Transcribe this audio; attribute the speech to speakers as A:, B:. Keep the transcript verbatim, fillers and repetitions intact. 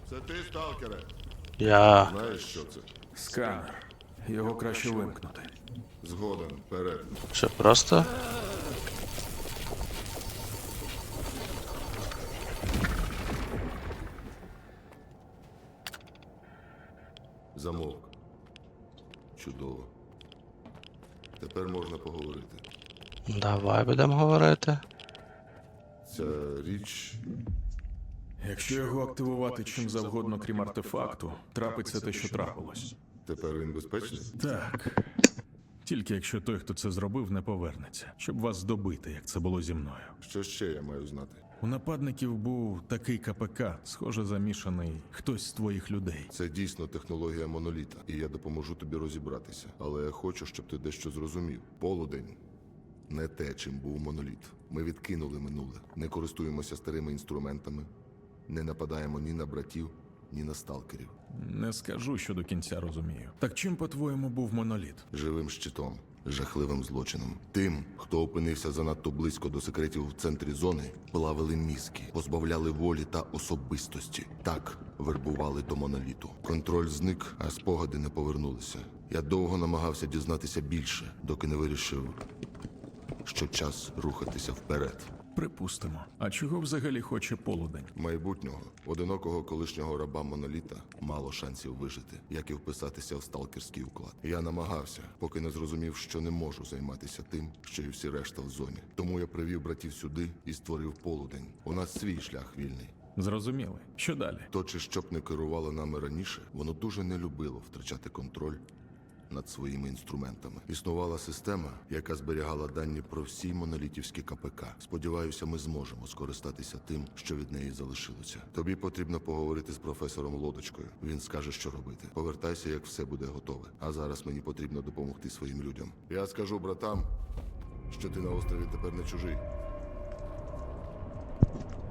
A: Це ти, сталкере?
B: Я.
A: Знаєш, що це?
C: Сканер. Його краще вимкнути.
A: Згоден, вперед.
B: Що, просто?
A: Замовк. Чудово. Тепер можна поговорити.
B: Давай будемо говорити.
A: Ця річ.
C: Якщо його активувати чим завгодно, крім артефакту, трапиться те, що трапилось.
A: Тепер він безпечний?
C: Так. Тільки якщо той, хто це зробив, не повернеться, щоб вас добити, як це було зі мною.
A: Що ще я маю знати?
C: У нападників був такий КПК, схоже, замішаний хтось з твоїх людей.
A: Це дійсно технологія моноліта, і я допоможу тобі розібратися. Але я хочу, щоб ти дещо зрозумів. Полудень не те, чим був моноліт. Ми відкинули минуле, не користуємося старими інструментами, не нападаємо ні на братів, ні на сталкерів.
C: Не скажу, що до кінця розумію. Так чим, по-твоєму, був моноліт?
A: Живим щитом, жахливим злочином. Тим, хто опинився занадто близько до секретів в центрі зони, плавили мізки, позбавляли волі та особистості. Так вербували до моноліту. Контроль зник, а спогади не повернулися. Я довго намагався дізнатися більше, доки не вирішив, що час рухатися вперед.
C: Припустимо. А чого взагалі хоче полудень?
A: Майбутнього, одинокого колишнього раба моноліта, мало шансів вижити, як і вписатися в сталкерський уклад. Я намагався, поки не зрозумів, що не можу займатися тим, що і всі решта в зоні. Тому я привів братів сюди і створив полудень. У нас свій шлях вільний.
C: Зрозуміли. Що далі?
A: То, чи щоб не керувало нами раніше, воно дуже не любило втрачати контроль над своїми інструментами. Існувала система, яка зберігала дані про всі монолітівські КПК. Сподіваюся, ми зможемо скористатися тим, що від неї залишилося. Тобі потрібно поговорити з професором Лодочкою. Він скаже, що робити. Повертайся, як все буде готове. А зараз мені потрібно допомогти своїм людям. Я скажу братам, що ти на острові тепер не чужий.